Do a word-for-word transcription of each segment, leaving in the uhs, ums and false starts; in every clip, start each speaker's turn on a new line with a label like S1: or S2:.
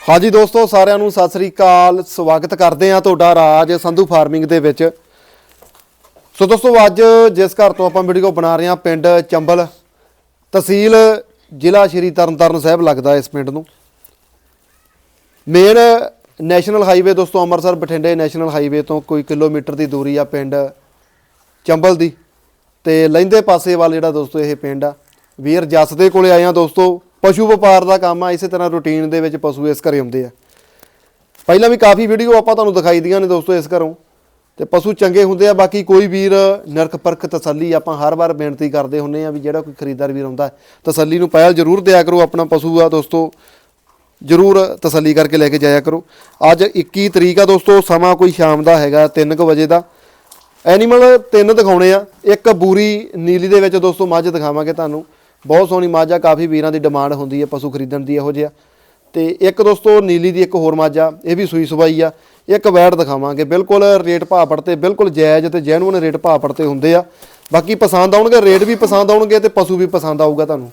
S1: हाँ जी दोस्तों सारिਆਂ ਨੂੰ ਸਤਿ ਸ੍ਰੀ ਅਕਾਲ ਸਵਾਗਤ ਕਰਦੇ ਆ ਤੁਹਾਡਾ ਰਾਜ ਸੰਧੂ ਫਾਰਮਿੰਗ ਦੇ ਵਿੱਚ। ਸੋ ਦੋਸਤੋ ਅੱਜ ਜਿਸ ਘਰ ਤੋਂ ਆਪਾਂ ਵੀਡੀਓ ਬਣਾ ਰਹੇ ਆ ਪਿੰਡ ਚੰਬਲ ਤਹਿਸੀਲ ਜ਼ਿਲ੍ਹਾ ਸ਼੍ਰੀ ਤਰਨਤਾਰਨ ਸਾਹਿਬ ਲੱਗਦਾ ਇਸ ਪਿੰਡ ਨੂੰ। ਮੇਨ ਨੈਸ਼ਨਲ ਹਾਈਵੇ ਦੋਸਤੋ ਅੰਮ੍ਰਿਤਸਰ ਬਠਿੰਡੇ ਨੈਸ਼ਨਲ ਹਾਈਵੇ ਤੋਂ ਕੋਈ ਕਿਲੋਮੀਟਰ ਦੀ ਦੂਰੀ ਆ ਪਿੰਡ ਚੰਬਲ ਦੀ ਤੇ ਲਹਿੰਦੇ ਪਾਸੇ ਵੱਲ ਜਿਹੜਾ ਦੋਸਤੋ ਇਹ ਪਿੰਡ ਆ। ਵੀਰ ਜੱਸ ਦੇ ਕੋਲੇ ਆਏ ਆ ਦੋਸਤੋ। ਪਸ਼ੂ ਵਪਾਰ ਦਾ ਕੰਮ ਆ ਇਸੇ ਤਰ੍ਹਾਂ ਰੂਟੀਨ ਦੇ ਵਿੱਚ ਪਸ਼ੂ ਇਸ ਘਰੇ ਆਉਂਦੇ ਆ। ਪਹਿਲਾਂ ਵੀ ਕਾਫੀ ਵੀਡੀਓ ਆਪਾਂ ਤੁਹਾਨੂੰ ਦਿਖਾਈ ਦੀਆਂ ਨੇ ਦੋਸਤੋ ਇਸ ਘਰੋਂ ਤੇ ਪਸ਼ੂ ਚੰਗੇ ਹੁੰਦੇ ਆ। ਬਾਕੀ ਕੋਈ ਵੀਰ ਨਿਰਖ ਪਰਖ ਤਸੱਲੀ ਆਪਾਂ ਹਰ ਵਾਰ ਬੇਨਤੀ ਕਰਦੇ ਹੁੰਨੇ ਆ ਵੀ ਜਿਹੜਾ ਕੋਈ ਖਰੀਦਦਾਰ ਵੀਰ ਆਉਂਦਾ ਤਸੱਲੀ ਨੂੰ ਪਹਿਲ ਜ਼ਰੂਰ ਦਿਆ ਕਰੋ। ਆਪਣਾ ਪਸ਼ੂ ਆ ਦੋਸਤੋ ਜ਼ਰੂਰ ਤਸੱਲੀ ਕਰਕੇ ਲੈ ਕੇ ਜਾਇਆ ਕਰੋ। ਅੱਜ ਇੱਕੀ ਤਰੀਕ ਆ ਦੋਸਤੋ, ਸਮਾਂ ਕੋਈ ਸ਼ਾਮ ਦਾ ਹੈਗਾ ਤਿੰਨ ਕੁ ਵਜੇ ਦਾ। ਐਨੀਮਲ ਤਿੰਨ ਦਿਖਾਉਣੇ ਆ। ਇੱਕ ਬੂਰੀ ਨੀਲੀ ਦੇ ਵਿੱਚ ਦੋਸਤੋ ਮੱਝ ਦਿਖਾਵਾਂਗੇ ਤੁਹਾਨੂੰ, ਬਹੁਤ ਸੋਹਣੀ ਮੱਝ ਆ। ਕਾਫੀ ਵੀਰਾਂ ਦੀ ਡਿਮਾਂਡ ਹੁੰਦੀ ਹੈ ਪਸ਼ੂ ਖਰੀਦਣ ਦੀ ਇਹੋ ਜਿਹਾ। ਤੇ ਇੱਕ ਦੋਸਤੋ ਨੀਲੀ ਦੀ ਇੱਕ ਹੋਰ ਮੱਝ ਆ, ਇਹ ਵੀ ਸੂਈ ਸਵਾਈ ਆ। ਇੱਕ ਵੈੜ ਦਿਖਾਵਾਂਗੇ, ਬਿਲਕੁਲ ਰੇਟ ਭਾਅ ਪੜਤੇ ਬਿਲਕੁਲ ਜਾਇਜ਼ ਤੇ ਜੈਨੂਅਨ ਰੇਟ ਭਾਅ ਪੜਤੇ ਹੁੰਦੇ ਆ। ਬਾਕੀ ਪਸੰਦ ਆਉਣਗੇ, ਰੇਟ ਵੀ ਪਸੰਦ ਆਉਣਗੇ ਤੇ ਪਸ਼ੂ ਵੀ ਪਸੰਦ ਆਊਗਾ ਤੁਹਾਨੂੰ।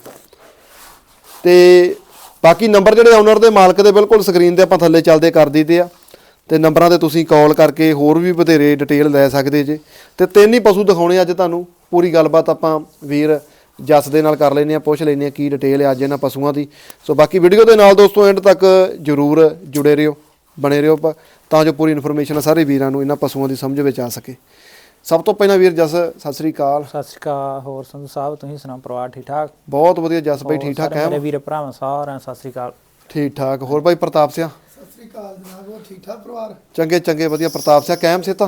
S1: ਤੇ ਬਾਕੀ ਨੰਬਰ ਜਿਹੜੇ ਓਨਰ ਦੇ ਮਾਲਕ ਦੇ ਬਿਲਕੁਲ ਸਕਰੀਨ ਤੇ ਆਪਾਂ ਥੱਲੇ ਚੱਲਦੇ ਕਰ ਦਿੱਤੇ ਆ ਤੇ ਨੰਬਰਾਂ ਤੇ ਤੁਸੀਂ ਕਾਲ ਕਰਕੇ ਹੋਰ ਵੀ ਬਥੇਰੇ ਡਿਟੇਲ ਲੈ ਸਕਦੇ ਜੇ। ਤੇ ਤਿੰਨ ਹੀ ਪਸ਼ੂ ਦਿਖਾਉਣੇ ਅੱਜ ਤੁਹਾਨੂੰ। ਪੂਰੀ ਗੱਲਬਾਤ ਆਪਾਂ ਵੀਰ ਜੱਸ ਦੇ ਨਾਲ ਕਰ ਲੈਂਦੇ ਆ, ਪੁੱਛ ਲੈਂਦੇ ਆ ਕੀ ਡਿਟੇਲ ਹੈ ਅੱਜ ਇਹਨਾਂ ਪਸ਼ੂਆਂ ਦੀ। ਸੋ ਬਾਕੀ ਵੀਡੀਓ ਦੇ ਨਾਲ ਦੋਸਤੋ ਐਂਡ ਤੱਕ ਜ਼ਰੂਰ ਜੁੜੇ ਰਹੋ, ਬਣੇ ਰਹੋ ਤਾਂ ਜੋ ਪੂਰੀ ਇਨਫੋਰਮੇਸ਼ਨ ਸਾਰੇ ਵੀਰਾਂ ਨੂੰ ਇਹਨਾਂ ਪਸ਼ੂਆਂ ਦੀ ਸਮਝ ਵਿੱਚ ਆ ਸਕੇ। ਸਭ ਤੋਂ ਪਹਿਲਾਂ ਵੀਰ ਜੱਸ ਸਤਿ ਸ੍ਰੀ ਅਕਾਲ।
S2: ਸਤਿ ਸ੍ਰੀ ਅਕਾਲ। ਹੋਰ ਸੰਧੂ ਸਾਹਿਬ ਤੁਸੀਂ ਸੁਣਾਓ, ਪਰਿਵਾਰ ਠੀਕ ਠਾਕ?
S1: ਬਹੁਤ ਵਧੀਆ ਜੱਸ ਬਾਈ, ਠੀਕ ਠਾਕ ਹੈ
S2: ਮੇਰੇ ਵੀਰ ਭਰਾਵਾਂ ਸਾਰਿਆਂ ਸਤਿ ਸ੍ਰੀ ਅਕਾਲ।
S1: ਠੀਕ ਠਾਕ। ਹੋਰ ਬਾਈ ਪ੍ਰਤਾਪ ਸਿਆ?
S3: ਸਤਿ ਸ੍ਰੀ ਅਕਾਲ ਜਨਾਬ, ਹੋਰ ਠੀਕ ਠਾਕ ਪਰਿਵਾਰ?
S1: ਚੰਗੇ ਚੰਗੇ ਵਧੀਆ। ਪ੍ਰਤਾਪ ਸਿਆ ਕਾਇਮ ਸੇ ਤਾਂ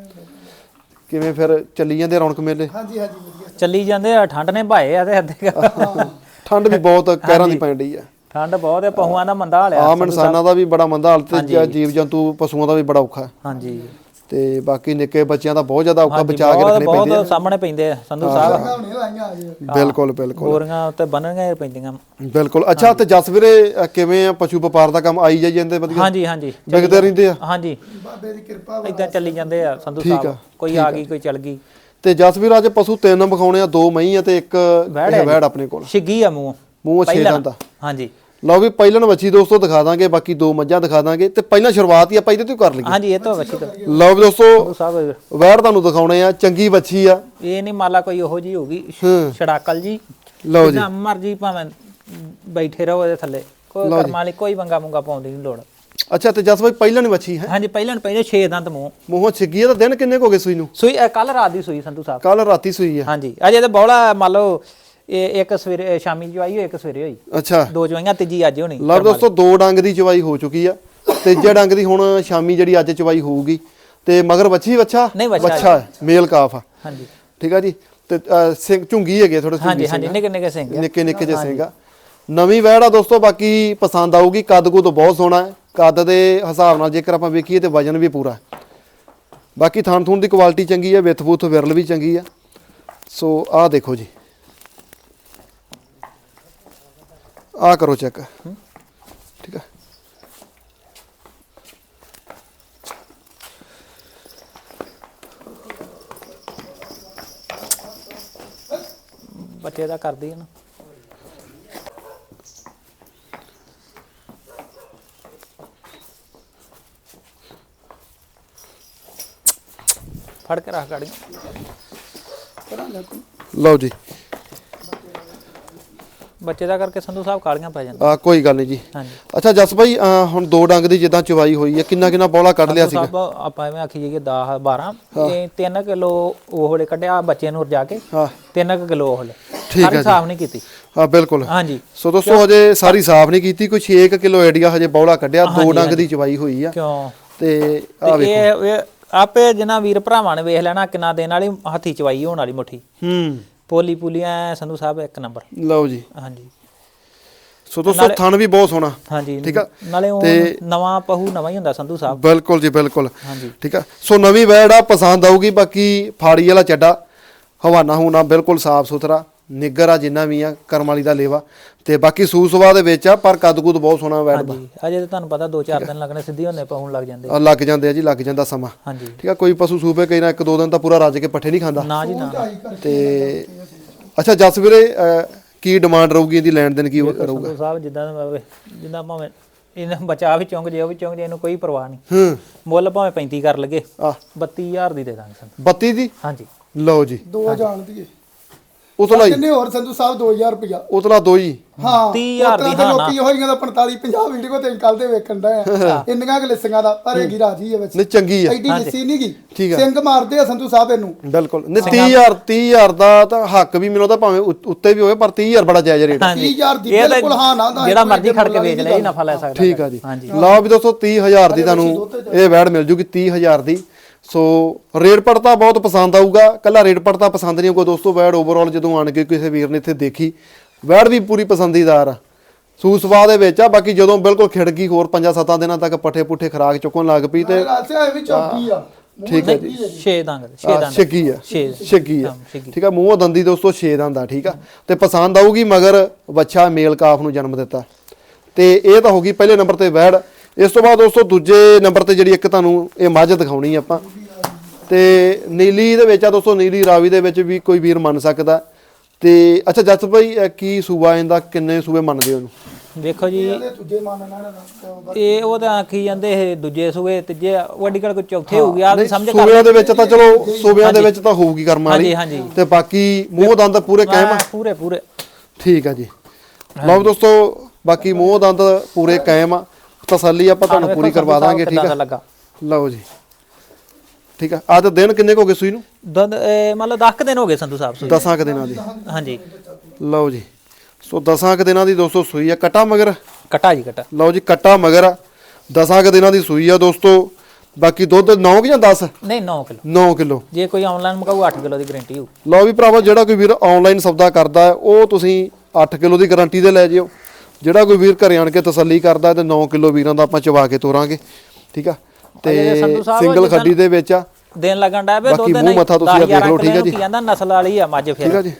S1: ਕਿਵੇਂ ਫਿਰ ਚੱਲੀ ਜਾਂਦੇ ਰੌਣਕ ਮੇਲੇ?
S3: ਹਾਂਜੀ ਹਾਂਜੀ ਵਧੀਆ
S2: ਚੱਲੀ ਜਾਂਦੇ ਆ। ਠੰਡ ਨੇ ਭਾਏ ਆ ਤੇ ਅੱਧੇ
S1: ਠੰਡ ਵੀ ਬਹੁਤ ਕਹਿਰਾਂ ਦੀ ਪੈਣ ਡਈ ਆ।
S2: ਠੰਡ ਬਹੁਤ ਹੈ, ਪਹੂਆਂ ਦਾ ਮੰਦਾ ਹਾਲਿਆ।
S1: ਆਮ ਇਨਸਾਨਾਂ ਦਾ ਵੀ ਬੜਾ ਮੰਦਾ ਹਾਲ ਤੇ ਜੀਵ ਜੰਤੂ ਪਸ਼ੂਆਂ ਦਾ ਵੀ ਬੜਾ ਔਖਾ।
S2: ਹਾਂਜੀ
S1: ਤੇ ਬਾਕੀ ਨਿੱਕੇ ਬੱਚਿਆਂ ਦਾ ਬਹੁਤ ਜ਼ਿਆਦਾ ਔਖਾ ਬਚਾ ਕੇ ਰੱਖਣੇ ਪੈਂਦੇ ਆ।
S2: ਬਹੁਤ ਸਾਹਮਣੇ ਪੈਂਦੇ ਆ ਸੰਧੂ ਸਾਹਿਬ।
S3: ਹੁਣੇ ਲਾਈਆਂ ਆ ਜੀ।
S1: ਬਿਲਕੁਲ ਬਿਲਕੁਲ
S2: ਗੋਰੀਆਂ ਉੱਤੇ ਬੰਨਣੀਆਂ ਪੈਂਦੀਆਂ।
S1: ਬਿਲਕੁਲ। ਅੱਛਾ ਤੇ ਜੱਸ ਵੀਰੇ ਕਿਵੇਂ ਆ ਪਸ਼ੂ ਵਪਾਰ ਦਾ ਕੰਮ ਆਈ ਜਾਈ ਜਾਂਦੇ ਵਧੀਆ?
S2: ਹਾਂਜੀ ਹਾਂਜੀ
S1: ਵਿਕਦੇ ਰਹਿੰਦੇ ਆ?
S2: ਹਾਂਜੀ
S3: ਬਾਬੇ ਦੀ ਕਿਰਪਾ ਵਾ।
S2: ਇਦਾਂ ਚੱਲੀ ਜਾਂਦੇ ਆ ਸੰਧੂ ਸਾਹਿਬ। ਕੋਈ ਆ ਗਈ ਕੋਈ ਚੱਲ ਗਈ।
S1: ਤੇ ਜੱਸ ਵੀਰ ਅੱਜ ਪਸ਼ੂ ਤਿੰਨ ਵਿਖਾਉਣੇ ਆ, ਦੋ ਮਹੀਂ ਆ ਤੇ ਇੱਕ ਵੈੜ ਆਪਣੇ ਕੋਲ।
S2: ਛਿੱਗੀ ਆ ਮੂੰਹ
S1: ਮੂੰਹ ਛੇ ਦੰਦ ਦਾ।
S2: ਹਾਂਜੀ
S1: ਲਓ ਵੀ ਪਹਿਲਣ ਵੱਛੀ ਦੋਸਤੋ ਦਿਖਾ ਦਾਂਗੇ, ਬਾਕੀ ਦੋ ਮੱਝਾਂ ਦਿਖਾ ਦਾਂਗੇ ਤੇ ਪਹਿਲਾਂ ਸ਼ੁਰੂਆਤ ਹੀ ਆਪਾਂ ਇਹਦੇ ਤੋਂ ਕਰ ਲਈਏ।
S2: ਹਾਂਜੀ ਇਹ ਤੋਂ ਵੱਛੀ ਤੋਂ।
S1: ਲਓ ਵੀ ਦੋਸਤੋ
S2: ਸਾਹਿਬ
S1: ਵੈੜ ਤੁਹਾਨੂੰ ਦਿਖਾਉਣੇ ਆ, ਚੰਗੀ ਵੱਛੀ ਆ।
S2: ਇਹ ਨਹੀਂ ਮਾਲਾ ਕੋਈ ਉਹੋ ਜੀ ਹੋਗੀ ਛੜਾਕਲ ਜੀ।
S1: ਲਓ ਜੀ
S2: ਮਰਜੀ ਭਾਵੇਂ ਬੈਠੇ ਰਹੋ ਇਹਦੇ ਥੱਲੇ, ਕੋਈ ਕਰਮਾਂ ਲਈ ਕੋਈ ਵੰਗਾ ਮੁੰਗਾ ਪਾਉਣ ਦੀ ਨਹੀਂ ਲੋੜ।
S1: ਅੱਛਾ ਤੇ ਜਸ ਬਾਈ ਪਹਿਲਣ ਵੱਛੀ ਹੈ?
S2: ਹਾਂਜੀ ਪਹਿਲਾਂ ਪਹਿਲੇ ਛੇ ਦੰਦ ਮੂੰਹ
S1: ਮੂੰਹੋਂ ਛਿੱਗੀ ਆ। ਤਾਂ ਦਿਨ ਕਿੰਨੇ ਹੋ ਗਏ ਸੂਈ ਨੂੰ?
S2: ਸੂਈ ਕੱਲ ਰਾਤ ਦੀ ਸੂਈ ਸੰਧੂ ਸਾਹਿਬ।
S1: ਕੱਲ ਰਾਤੀ ਸੂਈ ਆ?
S2: ਹਾਂਜੀ ਅਜੇ ਤਾਂ ਬੌਲਾ ਮੰਨ ਲਓ ਇਹ ਇੱਕ ਸਵੇਰੇ ਸ਼ਾਮੀ ਚਵਾਈ ਹੋਈ, ਇੱਕ ਸਵੇਰੇ ਹੋਈ।
S1: ਅੱਛਾ
S2: ਦੋ ਚਵਾਈਆਂ, ਤੀਜੀ ਅੱਜ ਹੋਣੀ।
S1: ਲਓ ਦੋਸਤੋ ਦੋ ਡੰਗ ਦੀ ਚਵਾਈ ਹੋ ਚੁੱਕੀ ਆ, ਤੀਜੇ ਡੰਗ ਦੀ ਹੁਣ ਸ਼ਾਮੀ ਜਿਹੜੀ ਅੱਜ ਚਵਾਈ ਹੋਊਗੀ। ਤੇ ਮਗਰ ਵੱਛੀ ਵੱਛਾ ਵੱਛਾ ਮੇਲ ਕਾਫ ਆ। ਹਾਂਜੀ ਠੀਕ ਆ ਜੀ। ਤੇ ਸਿੰਘ ਝੁੰਗੀ ਹੈਗੇ ਥੋੜੇ।
S2: ਹਾਂਜੀ ਹਾਂਜੀ ਨਿੱਕੇ ਨਿੱਕੇ ਸਿੰਘ,
S1: ਨਿੱਕੇ ਨਿੱਕੇ ਜਿਹੇ ਸਿੰਘ ਆ। ਨਵੀਂ ਵੈੜ ਆ ਦੋਸਤੋ, ਬਾਕੀ ਪਸੰਦ ਆਊਗੀ। ਕੱਦ ਕੁੱਦ ਬਹੁਤ ਸੋਹਣਾ ਹੈ। ਕੱਦ ਦੇ ਹਿਸਾਬ ਨਾਲ ਜੇਕਰ ਆਪਾਂ ਵੇਖੀਏ ਤੇ ਵਜਨ ਵੀ ਪੂਰਾ। ਬਾਕੀ ਥਣ ਥੂਣ ਦੀ ਕੁਆਲਿਟੀ ਚੰਗੀ ਹੈ, ਵਿੱਥ ਬੁੱਥ ਵਿਰਲ ਵੀ ਚੰਗੀ ਆ। ਸੋ ਆਹ ਦੇਖੋ ਜੀ, ਆਹ ਕਰੋ ਚੈੱਕ। ਠੀਕ ਆ।
S2: ਬੱਚੇ ਦਾ ਕਰਦੀ ਹੈ ਨਾ। ਫੜ ਕੇ ਰੱਖ ਗਾੜੀ।
S1: ਲਓ ਜੀ
S2: ਬੱਚੇ ਦਾ ਕਰਕੇ ਸੰਧੂ ਸਾਹਿਬ ਕਾਲੀਆਂ ਪੈ ਜਾਂਦੀਆਂ।
S1: ਆ ਕੋਈ ਗੱਲ ਨਹੀਂ ਜੀ।
S2: ਹਾਂਜੀ
S1: ਅੱਛਾ ਜਸ ਭਾਈ ਹੁਣ ਦੋ ਡੰਗ ਦੀ ਜਿੱਦਾਂ ਚਵਾਈ ਹੋਈ ਹੈ, ਕਿੰਨਾ ਕਿੰਨਾ ਬੌਲਾ ਕੱਢ ਲਿਆ ਸੀਗਾ?
S2: ਆਪਾਂ ਐਵੇਂ ਆਖੀ ਜਾਈਏ ਦਸ ਬਾਰਾਂ ਇਹ ਤਿੰਨ ਕਿਲੋ ਉਹ ਹਲੇ ਕੱਢਿਆ ਬੱਚੇ ਨੂੰ ਰਜਾ ਕੇ।
S1: ਹਾਂ
S2: ਤਿੰਨ ਕਿਲੋ ਉਹ ਹਲੇ
S1: ਠੀਕ ਹੈ।
S2: ਸਾਫ ਨਹੀਂ ਕੀਤੀ।
S1: ਹਾਂ ਬਿਲਕੁਲ।
S2: ਹਾਂਜੀ
S1: ਸੋ ਦੋਸਤੋ ਹਜੇ ਸਾਰੀ ਸਾਫ ਨਹੀਂ ਕੀਤੀ, ਕੋਈ ਛੇ ਕਿਲੋ ਆਈਡੀਆ ਹਜੇ ਬੌਲਾ ਕੱਢਿਆ। ਦੋ ਡੰਗ ਦੀ ਚਵਾਈ ਹੋਈ ਆ।
S2: ਕਿਉਂ?
S1: ਤੇ ਆ ਵੇਖੋ
S2: ਇਹ ਆਪੇ ਜਿੰਨਾ ਵੀਰ ਭਰਾਵਾਂ ਨੇ ਵੇਖ ਲੈਣਾ ਕਿੰਨਾ ਦਿਨ ਵਾਲੀ ਹੱਥੀ ਚਵਾਈ ਹੋਣ ਵਾਲੀ ਮੁੱਠੀ।
S1: ਹੂੰ
S2: ਪੋਲੀ ਪੂਲੀਆਂ ਸੰਧੂ ਸਾਹਿਬ ਇੱਕ ਨੰਬਰ।
S1: ਲਓ ਜੀ
S2: ਹਾਂਜੀ
S1: ਸੋ ਦੋਸਤੋ ਥਣ ਵੀ ਬਹੁਤ ਸੋਹਣਾ।
S2: ਹਾਂਜੀ
S1: ਠੀਕ ਆ।
S2: ਨਾਲੇ ਉਹ ਨਵਾਂ ਪਹੂ ਨਵਾਂ ਹੀ ਹੁੰਦਾ ਸੰਧੂ ਸਾਹਿਬ।
S1: ਬਿਲਕੁਲ ਜੀ ਬਿਲਕੁਲ।
S2: ਹਾਂਜੀ
S1: ਠੀਕ ਆ। ਸੋ ਨਵੀਂ ਵੈੜ ਆ, ਪਸੰਦ ਆਊਗੀ। ਬਾਕੀ ਫਾੜੀ ਵਾਲਾ ਚੱਡਾ ਹਵਾਨਾ ਹੂਨਾ ਬਿਲਕੁਲ ਸਾਫ ਸੁਥਰਾ ਨਿੱਗਰ ਆ, ਜਿੰਨਾ ਵੀ ਆ ਕਰਮ ਵਾਲੀ ਦਾ ਲੇਵਾ। ਤੇ ਬਾਕੀ ਸੂ ਸੁਭਾਅ ਦੇ ਵਿੱਚ ਆ, ਪਰ ਕੱਦ ਕੁੱਦ ਬਹੁਤ ਸੋਹਣਾ ਵੈੜ ਦਾ।
S2: ਅਜੇ ਤਾਂ ਤੁਹਾਨੂੰ ਪਤਾ ਦੋ ਚਾਰ ਦਿਨ ਲੱਗਣੇ, ਸਿੱਧੀ ਹੁੰਨੇ ਪਹੁਣ ਲੱਗ ਜਾਂਦੇ
S1: ਆ। ਲੱਗ ਜਾਂਦੇ ਆ ਜੀ, ਲੱਗ ਜਾਂਦਾ ਸਮਾਂ।
S2: ਹਾਂਜੀ
S1: ਠੀਕ ਆ। ਕੋਈ ਪਸ਼ੂ ਸੂਪੇ ਕਈ ਨਾ ਇੱਕ ਦੋ ਦਿਨ ਤਾਂ ਪੂਰਾ ਰੱਜ ਕੇ ਪੱਠੇ ਨਹੀਂ ਖਾਂਦਾ
S2: ਨਾ ਜੀ ਨਾ।
S1: ਤੇ ਅੱਛਾ ਜਸ ਵੀਰੇ ਕੀ ਡਿਮਾਂਡ ਰਹੂਗੀ ਇਹਦੀ, ਲੈਣ ਦੇਣ ਕੀ ਰਹੂਗਾ?
S2: ਸਾਹਿਬ ਜਿੱਦਾਂ ਜਿੱਦਾਂ ਭਾਵੇਂ ਇਹਨਾਂ ਬਚਾ ਵੀ ਚੁੰਗ ਜੇ ਉਹ ਵੀ ਚੁੰਗ ਜੇ ਇਹਨੂੰ ਕੋਈ ਪਰਵਾਹ ਨਹੀਂ।
S1: ਹੂੰ
S2: ਮੁੱਲ ਭਾਵੇਂ ਪੈਂਤੀ ਕਰ ਲਗੇ
S1: ਆ
S2: ਬੱਤੀ ਹਜ਼ਾਰ ਦੀ ਦੇ ਦਾਂਗੇ ਸਾਨੂੰ।
S1: ਬੱਤੀ ਦੀ
S2: ਹਾਂਜੀ
S1: ਲਓ ਜੀ
S3: ਦੋ ਜਾਣ ਦੀ
S1: ਉਤਲਾ ਹੀ
S3: ਕਿੰਨੇ ਹੋਰ ਸੰਧੂ ਸਾਹਿਬ ਦੋ ਹਜ਼ਾਰ ਰੁਪਇਆ
S1: ਉਤਲਾ ਦੋ ਹੀ
S3: ਹਾਂ
S2: ਤੀਹ ਹਜ਼ਾਰ ਦੀ ਹਾਂ ਨਾ।
S3: ਲੋਕੀ ਹੋਈਆਂ ਦਾ ਪੰਤਾਲੀ ਪੰਜਾਹ ਵੀਡੀਓ ਤੇ ਕੱਲ ਦੇ ਵੇਖਣ ਦਾ ਇੰਨੀਆਂ ਕਿ ਲਿਸੀਆਂ ਦਾ ਪਰ ਹੈਗੀ ਰਾਜੀ ਹੈ ਵਿੱਚ
S1: ਨਹੀਂ ਚੰਗੀ ਆ
S3: ਐਡੀ ਲਿੱਸੀ ਨਹੀਂ ਗਈ
S1: ਠੀਕ ਆ।
S3: ਸਿੰਘ ਮਾਰਦੇ ਆ ਸੰਧੂ ਸਾਹਿਬ ਇਹਨੂੰ
S1: ਬਿਲਕੁਲ ਨਹੀਂ ਤੀਹ ਹਜ਼ਾਰ ਤੀਹ ਹਜ਼ਾਰ ਦਾ ਤਾਂ ਹੱਕ ਵੀ ਮੈਨੂੰ ਤਾਂ ਭਾਵੇਂ ਉ- ਉੱਤੇ ਵੀ ਹੋਵੇ ਪਰ ਤੀਹ ਹਜ਼ਾਰ ਬੜਾ ਜਾਇਜ਼ ਰੇਟ
S2: ਹਾਂਜੀ
S3: ਤੀਹ ਹਜ਼ਾਰ ਦੀ
S2: ਇਹ ਤਾਂ
S3: ਬਿਲਕੁਲ ਹਾਂ ਨਾ ਦਾ
S2: ਜਿਹੜਾ ਮਰਜ਼ੀ ਖੜ ਕੇ ਵੇਚ ਲੈ, ਇਹ ਨਫਾ ਲੈ ਸਕਦਾ।
S1: ਠੀਕ ਆ ਜੀ
S2: ਹਾਂਜੀ
S1: ਲਓ ਵੀ ਦੋਸਤੋ ਤੀਹ ਹਜ਼ਾਰ ਦੀ ਤੁਹਾਨੂੰ ਇਹ ਵੈੜ ਮਿਲ ਜੂਗੀ ਤੀਹ ਹਜ਼ਾਰ ਦੀ। ਸੋ ਰੇਟ ਪੜਤਾ ਬਹੁਤ ਪਸੰਦ ਆਊਗਾ, ਕੱਲਾ ਰੇਟ ਪੜਤਾ ਪਸੰਦ ਨਹੀਂ ਆਊਗਾ ਦੋਸਤੋ। ਵੈੜ ਓਵਰਆਲ ਜਦੋਂ ਆਣ ਕੇ ਕਿਸੇ ਵੀਰ ਨੇ ਇੱਥੇ ਦੇਖੀ ਵੈੜ ਵੀ ਪੂਰੀ ਪਸੰਦੀਦਾਰ ਆ, ਸੂ ਸਵਾਹ ਦੇ ਵਿੱਚ ਆ। ਬਾਕੀ ਜਦੋਂ ਬਿਲਕੁਲ ਖਿੜ ਗਈ ਹੋਰ ਪੰਜਾਂ ਸੱਤਾਂ ਦਿਨਾਂ ਤੱਕ ਪੱਠੇ ਪੁੱਠੇ ਖਰਾਕ ਚੁੱਕਣ ਲੱਗ ਪਈ ਤੇ
S3: ਰਾਸਿਆ ਇਹ ਵੀ ਚੌਕੀ ਆ
S1: ਠੀਕ ਹੈ
S2: ਜੀ ਛੇ ਦੰਦ ਛੇ ਦੰਦ
S1: ਛੱਗੀ ਆ
S2: ਛੇ
S1: ਛੱਗੀ ਆ
S2: ਹਾਂ, ਛੱਗੀ।
S1: ਠੀਕ ਆ ਮੂੰਹੋਂ ਦੰਦੀ ਦੋਸਤੋ ਛੇ ਦੰਦ ਆ ਠੀਕ ਆ ਤੇ ਪਸੰਦ ਆਊਗੀ ਮਗਰ ਬੱਚਾ ਮੇਲ ਕਾਫ ਨੂੰ ਜਨਮ ਦਿੱਤਾ ਤੇ ਇਹ ਤਾਂ ਹੋ ਗਈ ਪਹਿਲੇ ਨੰਬਰ ਤੇ ਵੈੜ। ਇਸ ਤੋਂ ਬਾਅਦ ਦੋਸਤੋ ਦੂਜੇ ਨੰਬਰ ਤੇ ਜਿਹੜੀ ਇੱਕ ਤੁਹਾਨੂੰ ਇਹ ਮੱਝ ਦਿਖਾਉਣੀ ਆਪਾਂ ਤੇ ਨੀਲੀ ਦੇ ਵਿੱਚ ਆ ਦੋਸਤੋ, ਨੀਲੀ ਰਾਵੀ ਦੇ ਵਿੱਚ ਵੀ ਕੋਈ ਵੀਰ ਮੰਨ ਸਕਦਾ ਤੇ ਅੱਛਾ ਜੱਸ ਭਾਈ ਇਹ ਕੀ ਸੂਬਾ ਇਹਦਾ ਕਿੰਨੇ ਸੂਬੇ ਮੰਨਦੇ ਹੋ ਇਹਨੂੰ?
S2: ਵੇਖੋ ਜੀ
S3: ਇਹਦੇ ਤੁਝੇ ਮੰਨਣਾ ਨਾ
S2: ਇਹ ਉਹ ਤਾਂ ਆਖੀ ਜਾਂਦੇ ਇਹ ਦੂਜੇ ਸੂਏ ਤੀਜੇ ਵੱਡੀ ਗੱਲ ਕੋਈ ਚੌਥੇ ਹੋ ਗਿਆ ਆਪ ਸਮਝ ਕਰ
S1: ਸੂਬਿਆਂ ਦੇ ਵਿੱਚ ਤਾਂ ਚਲੋ ਸੂਬਿਆਂ ਦੇ ਵਿੱਚ ਤਾਂ ਹੋਊਗੀ ਕਰਮ ਵਾਲੀ
S2: ਹਾਂਜੀ, ਹਾਂਜੀ।
S1: ਤੇ ਬਾਕੀ ਮੂੰਹ ਦੰਦ ਪੂਰੇ ਕਾਇਮ ਆ
S2: ਪੂਰੇ ਪੂਰੇ
S1: ਠੀਕ ਆ ਜੀ। ਲਓ ਦੋਸਤੋ ਬਾਕੀ ਮੂੰਹ ਦੰਦ ਪੂਰੇ ਕਾਇਮ ਆ, ਤਸੱਲੀ ਆਪਾਂ ਤੁਹਾਨੂੰ ਪੂਰੀ ਕਰਵਾ ਦਾਂਗੇ ਠੀਕ ਆ।
S2: ਲੱਗਾ
S1: ਲਓ ਜੀ ਠੀਕ ਆ। ਅੱਜ ਦਿਨ ਕਿੰਨੇ ਕੁ ਹੋ ਗਏ ਸੂਈ ਨੂੰ?
S2: ਦੰਦ ਇਹ ਮਤਲਬ ਦਸ ਕੁ ਦਿਨ ਹੋ ਗਏ ਸੰਧੂ ਸਾਹਿਬ ਸੂਈ।
S1: ਦਸਾਂ ਕੁ ਦਿਨਾਂ ਦੀ
S2: ਹਾਂਜੀ
S1: ਲਓ ਜੀ। ਸੋ ਦਸਾਂ ਕੁ ਦਿਨਾਂ ਦੀ ਦੋਸਤੋ ਸੂਈ ਆ, ਕਟਾ ਮਗਰ
S2: ਕਟਾ ਜੀ ਕਟਾ
S1: ਲਓ ਜੀ ਕਟਾ ਮਗਰ ਆ, ਦਸਾਂ ਕੁ ਦਿਨਾਂ ਦੀ ਸੂਈ ਆ ਦੋਸਤੋ। ਬਾਕੀ ਦੁੱਧ ਨੌ ਕਿ ਜਾਂ ਦਸ?
S2: ਨਹੀਂ ਨੌ ਕਿਲੋ
S1: ਨੌ ਕਿਲੋ।
S2: ਜੇ ਕੋਈ ਆਨਲਾਈਨ ਮਗਾਊ ਅੱਠ ਕਿਲੋ ਦੀ ਗਾਰੰਟੀ ਹੋ।
S1: ਲਓ ਵੀ ਭਰਾਵਾ ਜਿਹੜਾ ਕੋਈ ਵੀਰ ਆਨਲਾਈਨ ਸੌਦਾ ਕਰਦਾ ਹੈ ਉਹ ਤੁਸੀਂ ਅੱਠ ਕਿਲੋ ਦੀ ਗਾਰੰਟੀ ਤੇ ਲੈ ਜਿਓ। ਜਿਹੜਾ ਕੋਈ ਵੀਰ ਘਰੇ ਆਣ ਕੇ ਤਸੱਲੀ ਕਰਦਾ ਤੇ ਨੌ ਕਿਲੋ ਵੀਰਾਂ ਦਾ ਆਪਾਂ ਚਵਾ ਕੇ ਤੋਰਾਂਗੇ ਠੀਕ ਆ। ਤੇ
S2: ਸੰਧੂ ਸਾਹਿਬ
S1: ਸਿੰਗਲ ਖੱਡੀ ਦੇ ਵਿੱਚ ਆ,
S2: ਦਿਨ ਲੱਗਣ ਦਾ ਬੇ
S1: ਬਾਕੀ
S2: ਦੁੱਧ
S1: ਮੂੰਹ ਮੱਥਾ ਤੁਸੀਂ ਦੇਖ ਲਓ ਠੀਕ ਆ ਜੀ।
S2: ਕੀ ਕਹਿੰਦਾ ਨਸਲ ਵਾਲੀ ਆ ਮੱਝ
S1: ਠੀਕ
S2: ਫਿਰ
S1: ਆ ਜੀ।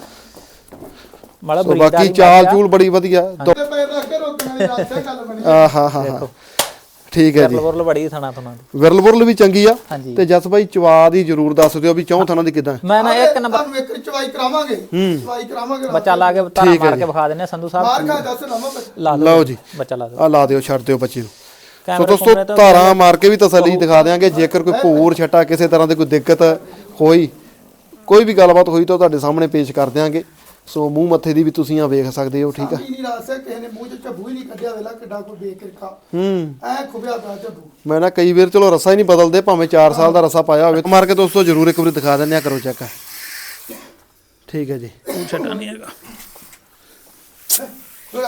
S2: ਮਤਲਬ
S1: ਸੋ
S2: ਬਰੀਡ
S1: ਬਾਕੀ
S2: ਵਾਲੀ
S1: ਚਾਲ ਚੂਲ ਬੜੀ ਵਧੀਆ
S3: ਤੇ ਪੈਰ ਰੱਖ ਕੇ ਰੋਕਣ ਵਾਲੀ ਰਾਸਿਆ ਗੱਲ ਬਣੀ
S1: ਆ ਹਾਂ ਹਾਂ ਹਾਂ ਠੀਕ ਹੈ ਜੀ।
S2: ਵਰਲ ਬੜੀ ਥਣਾ ਥਣਾ ਦੀ
S1: ਵਿਰਲ ਬੁਰਲ ਵੀ ਚੰਗੀ ਆ
S2: ਹਾਂਜੀ।
S1: ਤੇ ਜਸ ਬਾਈ ਚਵਾ ਦੀ ਜਰੂਰ ਦੱਸ ਦਿਓ ਵੀ ਚੌਂ ਥਾਂ ਦੀ ਕਿਦਾਂ।
S2: ਮੈਂ ਨਾ ਇੱਕ ਨੰਬਰ
S3: ਤੁਹਾਨੂੰ ਇੱਕ ਚਵਾਈ ਕਰਾਵਾਂਗੇ ਚਵਾਈ ਕਰਾਵਾਂਗੇ
S2: ਬੱਚਾ ਲਾ ਕੇ ਤਾਰਾ ਮਾਰ ਕੇ ਵਿਖਾ ਦਿੰਨੇ ਆ ਸੰਧੂ ਸਾਹਿਬ।
S3: ਮਾਰ ਖਾ ਦੱਸ ਨਾ ਮੈਂ
S2: ਲਾ
S1: ਲਓ ਜੀ
S2: ਬੱਚਾ ਲਾ ਦਿਓ
S1: ਆ ਲਾ ਦਿਓ ਛੱਡ ਦਿਓ ਬੱਚੇ ਨੂੰ। ਸੋ
S2: ਕੈਮਰੇ
S1: ਦੋਸਤੋ
S2: ਕੁਮਰੇ ਤੋਂ
S1: ਧਾਰਾਂ ਮਾਰ ਕੇ ਵੀ ਤਸੱਲੀ ਦਿਖਾ ਦਿਆਂਗੇ। ਜੇਕਰ ਕੋਈ ਭੂਰ ਛੱਟਾ ਕਿਸੇ ਤਰ੍ਹਾਂ ਦੀ ਕੋਈ ਦਿੱਕਤ ਹੋਈ ਕੋਈ ਵੀ ਗੱਲਬਾਤ ਹੋਈ ਤਾਂ ਤੁਹਾਡੇ ਸਾਹਮਣੇ ਪੇਸ਼ ਕਰ ਦਿਆਂਗੇ। ਸੋ ਮੂੰਹ ਮੱਥੇ ਦੀ ਵੀ ਤੁਸੀਂ ਆ ਵੇਖ ਸਕਦੇ ਹੋ ਠੀਕ ਆ।
S3: ਨਹੀਂ ਰਾਸਿਆ ਕਿਸੇ ਨੇ ਮੂੰਹ ਚ ਝੱਬੂ ਹੀ ਨਹੀਂ ਕੱਢਿਆ ਵੇਲਾ ਕਿੱਡਾ ਕੋਈ ਬੇਕਿਰਕਾ
S1: ਹੂੰ
S3: ਐ ਖੁਬਿਆ ਪਿਆ ਝੱਬੂ।
S1: ਮੈਂ ਨਾ ਕਈ ਵਾਰ ਚਲੋ ਰਸਾ ਹੀ ਨਹੀਂ ਬਦਲਦੇ ਭਾਵੇਂ ਚਾਰ ਸਾਲ ਦਾ ਰਸਾ ਪਾਇਆ ਹੋਵੇ। ਮਾਰ ਕੇ ਦੋਸਤੋ ਜਰੂਰ ਇੱਕ ਵਾਰੀ ਦਿਖਾ ਦਿੰਦੇ ਆ, ਕਰੋ ਚੈੱਕ ਠੀਕ ਹੈ ਜੀ।
S2: ਉਹ ਛੱਟਾ ਨਹੀਂ ਹੈਗਾ।
S3: ਥੋੜਾ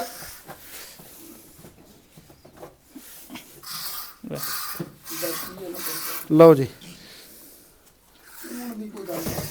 S1: ਲਓ ਜੀ
S3: ਹੁਣ ਦੀ ਕੋਈ ਗੱਲ ਨਹੀਂ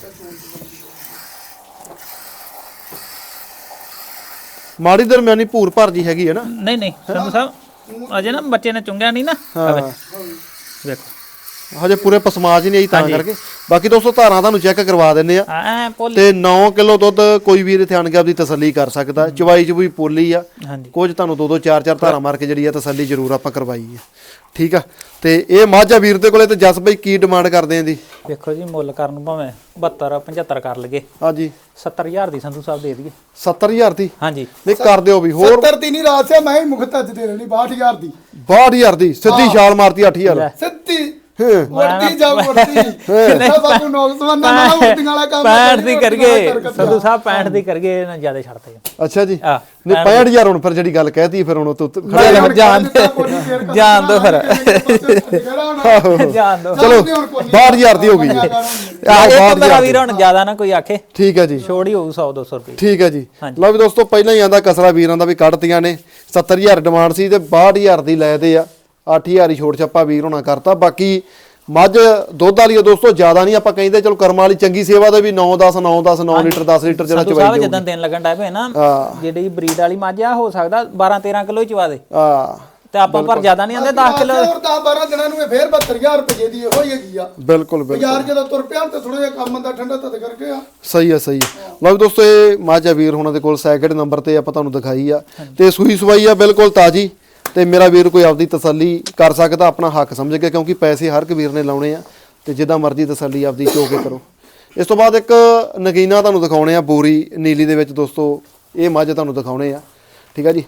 S1: ਮਾੜੀ ਦਰਮਿਆਨੀ ਭੂਰ ਭਰ ਜੀ ਹੈਗੀ ਹੈ ਨਾ।
S2: ਨਹੀਂ ਨਹੀਂ ਸੰਧੂ ਸਾਹਿਬ ਅਜੇ ਨਾ ਬੱਚੇ ਨੇ ਚੁੰਗਿਆ ਨਹੀਂ ਨਾ।
S1: ਹਾਂ
S2: ਵੇਖੋ
S1: ਹਜੇ ਪੂਰੇ ਪਸਮਾਜ ਹੀ ਨਹੀਂ ਆਈ ਤਾਂ ਕਰਕੇ। ਬਾਕੀ ਦੋਸਤੋ ਧਾਰਾਂ ਤੁਹਾਨੂੰ ਚੈੱਕ ਕਰਵਾ ਦਿੰਦੇ ਆ
S2: ਐ ਪੋਲੀ
S1: ਤੇ ਨੌ ਕਿਲੋ ਦੁੱਧ ਕੋਈ ਵੀਰ ਇੱਥੇ ਆਣ ਕੇ ਆਪਦੀ ਤਸੱਲੀ ਕਰ ਸਕਦਾ। ਚਵਾਈ ਚਵੂਈ ਪੋਲੀ ਆ,
S2: ਹਾਂਜੀ
S1: ਕੁਝ ਤੁਹਾਨੂੰ ਦੋ ਦੋ ਚਾਰ ਚਾਰ ਧਾਰਾਂ ਮਾਰ ਕੇ ਜਿਹੜੀ ਆ ਤਸੱਲੀ ਜ਼ਰੂਰ ਆਪਾਂ ਕਰਵਾਈ ਆ ਠੀਕ ਆ। ਤੇ ਇਹ ਮਾਝਾ ਵੀਰ ਦੇ ਕੋਲੇ ਤੇ ਜਸ ਬਈ ਕੀ ਡਿਮਾਂਡ ਕਰਦੇ ਆਂ ਦੀ?
S2: ਵੇਖੋ ਜੀ ਮੁੱਲ ਕਰਨ ਨੂੰ ਭਾਵੇਂ ਬਹੱਤਰ ਪਝੱਤਰ ਕਰ ਲਗੇ
S1: ਹਾਂਜੀ
S2: ਸੱਤਰ ਹਜ਼ਾਰ ਦੀ ਸੰਧੂ ਸਾਹਿਬ ਦੇ ਦਈਏ।
S1: ਸੱਤਰ ਹਜ਼ਾਰ ਦੀ
S2: ਹਾਂਜੀ
S1: ਨਹੀਂ ਕਰ ਦਿਓ ਵੀ ਹੋਰ
S3: ਸੱਤਰ ਦੀ ਨਹੀਂ ਰਾਸਿਆ ਮੈਂ ਹੀ ਮੁਖਤ ਅੱਜ ਦੇ ਰਹਿਣੀ ਬਾਹਠ ਹਜ਼ਾਰ ਦੀ
S1: ਬਾਹਠ ਹਜ਼ਾਰ ਦੀ ਸਿੱਧੀ ਛਾਲ ਮਾਰਤੀ ਅੱਠ ਹਜ਼ਾਰ।
S3: ਸਿੱਧੀ
S1: ਹਾਂ
S3: ਵਰਤੀ ਜਾ ਵਰਤੀ ਇਹ ਬਾਬੂ ਨੌਕਸਵਾਨ ਨਾ ਨਾ ਵਰਤੀਆਂ ਵਾਲਾ ਕੰਮ
S2: ਪੈਂਹਠ ਦੀ ਕਰਗੇ ਸੰਧੂ ਸਾਹਿਬ ਪੈਂਹਠ ਦੀ ਕਰਗੇ ਨਾ ਜ਼ਿਆਦਾ ਛੱਡਦੇ
S1: ਅੱਛਾ ਜੀ
S2: ਆ
S1: ਨਹੀਂ ਪੈਂਹਠ ਹਜ਼ਾਰ ਹੁਣ ਫਿਰ ਜਿਹੜੀ ਗੱਲ ਕਹਿਤੀ ਫਿਰ ਹੁਣ ਤੂੰ
S2: ਜਾਣ ਜਾਣ ਜਾਣ ਦੋ ਫਿਰ ਜਾਣ ਦੋ
S1: ਚਲੋ ਬਾਹਠ ਹਜ਼ਾਰ ਦੀ ਹੋ ਗਈ ਜੀ।
S2: ਇੱਕ ਮੇਰਾ ਵੀਰ ਹੁਣ ਜ਼ਿਆਦਾ ਨਾ ਕੋਈ ਆਖੇ
S1: ਠੀਕ ਹੈ ਜੀ
S2: ਛੋੜ ਹੀ ਹੋਊ ਸੌ ਦੋ ਸੌ ਰੁਪਏ।
S1: ਠੀਕ ਹੈ ਜੀ।
S2: ਹਾਂਜੀ।
S1: ਲਓ ਵੀ ਦੋਸਤੋ ਪਹਿਲਾਂ ਹੀ ਆਂਦਾ ਕਸਰਾ ਵੀਰਾਂ ਦਾ ਵੀ ਕੱਢਤੀਆਂ ਨੇ। ਸੱਤਰ ਹਜ਼ਾਰ ਡਿਮਾਂਡ ਸੀ ਤੇ ਬਾਹਠ ਹਜ਼ਾਰ ਦੀ ਲੈ ਦੇ ਆ, ਅੱਠ ਹਜ਼ਾਰ ਹੀ ਛੋਟ ਛੱਪਾ ਵੀਰ ਹੋਣਾ ਕਰਤਾ। ਬਾਕੀ ਮੱਝ ਦੁੱਧ ਵਾਲੀ ਆ ਦੋਸਤੋ ਜ਼ਿਆਦਾ ਨਹੀਂ ਆਪਾਂ ਕਹਿੰਦੇ ਚਲੋ ਕਰਮ ਵਾਲੀ ਚੰਗੀ ਸੇਵਾ ਦੇ ਵੀ ਨੌ ਦਸ ਨੌ ਦਸ ਨੌ ਲੀਟਰ ਦਸ ਲੀਟਰ ਜਿਹੜਾ
S2: ਸੰਧੂ
S1: ਚਵਾਈ
S2: ਸਾਹਿਬ
S1: ਜਾਊ।
S2: ਜਦੋਂ ਦਿਨ ਲੱਗਣ ਡੈ ਪਏ ਨਾ
S1: ਹਾਂ।
S2: ਜਿਹੜੀ ਬਰੀਡ ਵਾਲੀ ਮੱਝ ਆ ਹੋ ਸਕਦਾ ਬਾਰਾਂ ਤੇਰਾਂ ਕਿਲੋ ਹੀ ਚਵਾ ਦੇ
S1: ਆ
S2: ਤੇ ਆਪਾਂ ਪਰ ਜ਼ਿਆਦਾ ਨਹੀਂ ਆਂਦੇ ਦਸ ਕਿਲੋ।
S3: ਹੋਰ ਦਸ ਬਾਰਾਂ ਦਿਨਾਂ ਨੂੰ ਇਹ ਫੇਰ ਬਹੱਤਰ ਹਜ਼ਾਰ ਰੁਪਏ ਦੀ ਇਹੋ ਹੀ ਹੈਗੀ ਆ।
S1: ਬਿਲਕੁਲ ਬਿਲਕੁਲ
S3: ਯਾਰ ਜਦੋਂ ਤੁਰ ਪਿਆ ਤੇ ਥੋੜਾ ਜਿਹਾ ਕੰਮ ਦਾ ਠੰਡਾ ਤਦ ਕਰਕੇ ਆ।
S1: ਸਹੀ ਆ ਸਹੀ ਆ। ਲਓ ਵੀ ਦੋਸਤੋ ਇਹ ਮਾਝਾ ਵੀਰ ਹੁਣਾਂ ਦੇ ਕੋਲ ਸੈਕਿੰਡ ਨੰਬਰ ਤੇ ਆਪਾਂ ਤੁਹਾਨੂੰ ਦਿਖਾਈ ਆ ਤੇ ਸੂਈ ਸਵਾਈ ਆ ਬਿਲਕੁਲ ਤਾਜੀ। ਤੇ ਮੇਰਾ ਵੀਰ ਕੋਈ ਆਪਦੀ ਤਸੱਲੀ ਕਰ ਸਕਦਾ ਆਪਣਾ ਹੱਕ ਸਮਝ ਕੇ, ਕਿਉਂਕਿ ਪੈਸੇ ਹਰ ਇੱਕ ਵੀਰ ਨੇ ਲਾਉਣੇ ਆ ਤੇ ਜਿੱਦਾਂ ਮਰਜ਼ੀ ਤਸੱਲੀ ਆਪਦੀ ਚੋ ਕੇ ਕਰੋ। ਇਸ ਤੋਂ ਬਾਅਦ ਇੱਕ ਨਗੀਨਾ ਤੁਹਾਨੂੰ ਦਿਖਾਉਣੇ ਆ ਬੋਰੀ ਨੀਲੀ ਦੇ ਵਿੱਚ ਦੋਸਤੋ। ਇਹ ਮੱਝ ਤੁਹਾਨੂੰ ਦਿਖਾਉਣੇ ਆ ਠੀਕ ਆ ਜੀ।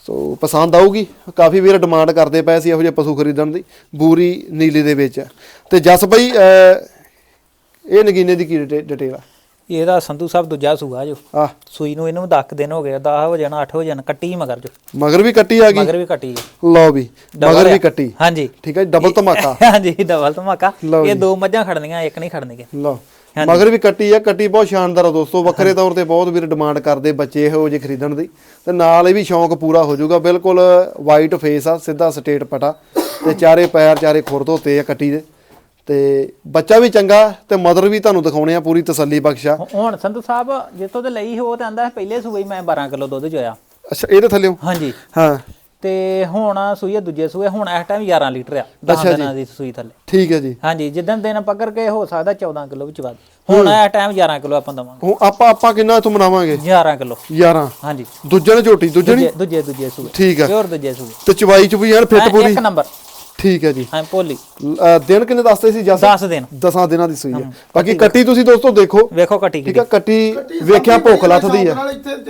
S1: ਸੋ ਪਸੰਦ ਆਊਗੀ। ਕਾਫੀ ਵੀਰ ਡਿਮਾਂਡ ਕਰਦੇ ਪਏ ਸੀ ਇਹੋ ਜਿਹੇ ਪਸ਼ੂ ਖਰੀਦਣ ਦੀ। ਬੂਰੀ ਨੀਲੀ ਦੇ ਵਿੱਚ ਆ। ਤੇ ਜਸ ਬਈ ਅਹ, ਇਹ ਨਗੀਨੇ ਦੀ ਕੀ ਡਿਟੇਲ ਆ?
S2: ਇਹਦਾ ਸੰਧੂ ਸਾਹਿਬ ਦੂਜਾ ਸੂਆ ਜੋ
S1: ਆ
S2: ਸੂਈ ਨੂੰ ਇਹਨੂੰ ਦਸ ਦਿਨ ਹੋ ਗਏ, ਦਸ ਹੋ ਜਾਣਾ, ਅੱਠ ਹੋ ਜਾਣਾ, ਕੱਟੀ ਮਗਰ ਜੋ
S1: ਮਗਰ ਵੀ ਕੱਟੀ ਆ ਗਈ।
S2: ਮਗਰ ਵੀ ਕੱਟੀ
S1: ਲਓ ਵੀ ਮਗਰ ਵੀ ਕੱਟੀ।
S2: ਹਾਂਜੀ
S1: ਠੀਕ ਹੈ ਜੀ, ਡਬਲ ਧਮਾਕਾ।
S2: ਹਾਂਜੀ ਡਬਲ ਧਮਾਕਾ।
S1: ਲਓ
S2: ਇਹ ਦੋ ਮੱਝਾਂ ਖੜਨੀਆਂ, ਇੱਕ ਨਹੀਂ ਖੜਨਗੇ।
S1: ਲਓ ਮਗਰ ਵੀ ਕੱਟੀ ਆ। ਕੱਟੀ ਬਹੁਤ ਸ਼ਾਨਦਾਰ ਆ ਦੋਸਤੋ। ਵੱਖਰੇ ਤੌਰ ਤੇ ਬਹੁਤ ਵੀਰ ਡਿਮਾਂਡ ਕਰਦੇ ਬੱਚੇ ਇਹੋ ਜਿਹੇ ਖਰੀਦਣ ਦੀ, ਤੇ ਨਾਲ ਇਹ ਵੀ ਸ਼ੌਂਕ ਪੂਰਾ ਹੋ ਜਾਊਗਾ। ਬਿਲਕੁਲ ਵਾਈਟ ਫੇਸ ਆ, ਸਿੱਧਾ ਸਟੇਟ ਪਟਾ, ਤੇ ਚਾਰੇ ਪੈਰ ਚਾਰੇ ਖੁਰ ਧੋਤੇ ਆ ਕੱਟੀ ਦੇ, ਤੇ ਬੱਚਾ ਵੀ ਚੰਗਾ, ਤੇ ਮਦਰ ਵੀ ਤੁਹਾਨੂੰ ਦਿਖਾਉਣੇ ਆ ਪੂਰੀ ਤਸੱਲੀ ਬਖਸ਼ਾ।
S2: ਹੁਣ ਸੰਧੂ ਸਾਹਿਬ ਜਿੱਥੋਂ ਤੇ ਲਈ ਉਹ ਤੇ ਆਂਦਾ ਪਹਿਲੇ ਸੂਏ ਮੈਂ ਬਾਰਾਂ ਕਿਲੋ ਦੁੱਧ ਚੋਇਆ।
S1: ਅੱਛਾ ਇਹਦੇ ਥੱਲੇ
S2: ਹਾਂਜੀ
S1: ਹਾਂ।
S2: ਤੇ ਹੁਣ ਸੂਈ ਦੂਜੇ ਸੂਏ, ਹੁਣ ਇਸ ਟਾਈਮ ਗਿਆਰਾਂ ਲੀਟਰ ਆ ਦਸ ਦਿਨਾਂ ਦੀ ਸੂਈ ਥੱਲੇ।
S1: ਠੀਕ ਹੈ ਜੀ।
S2: ਹਾਂਜੀ ਜਿੱਦਣ ਦਿਨ ਪਕੜ ਕੇ ਹੋ ਸਕਦਾ ਚੌਦਾਂ ਕਿਲੋ ਵਿੱਚ ਵੱਧ। ਹੁਣ ਇਸ ਟਾਈਮ ਗਿਆਰਾਂ ਕਿਲੋ ਆਪਾਂ ਦਵਾਂਗੇ।
S1: ਹੁਣ ਆਪਾਂ ਆਪਾਂ ਕਿੰਨਾ ਇਥੋਂ ਬਣਾਵਾਂਗੇ?
S2: ਗਿਆਰਾਂ ਕਿਲੋ।
S1: ਗਿਆਰਾਂ।
S2: ਹਾਂਜੀ
S1: ਦੂਜੇ ਨੇ ਝੋਟੀ ਦੂਜੇ ਨਹੀਂ
S2: ਦੂਜੇ ਦੂਜੇ ਸੂਏ।
S1: ਠੀਕ ਹੈ।
S2: ਪਿਓਰ ਦੂਜੇ ਸੂਏ
S1: ਤੇ ਚਵਾਈ ਚ ਵੀ ਯਾਰ ਫਿੱਟ ਪੂਰੀ
S2: ਇੱਕ ਨੰਬਰ।
S1: ਠੀਕ ਹੈ ਜੀ।
S2: ਹਾਂ ਭੋਲੀ।
S1: ਅਹ ਦਿਨ ਕਿੰਨੇ ਦੱਸਦੇ ਸੀ ਜਸ?
S2: ਦਸ ਦਿਨ।
S1: ਦਸਾਂ ਦਿਨਾਂ ਦੀ ਸੂਈ ਹੈ। ਬਾਕੀ ਕੱਟੀ ਤੁਸੀਂ ਦੋਸਤੋ ਦੇਖੋ।
S2: ਵੇਖੋ ਕੱਟੀ
S1: ਠੀਕ ਹੈ। ਕੱਟੀ ਵੇਖਿਆ ਭੁੱਖ ਲੱਥਦੀ ਆ।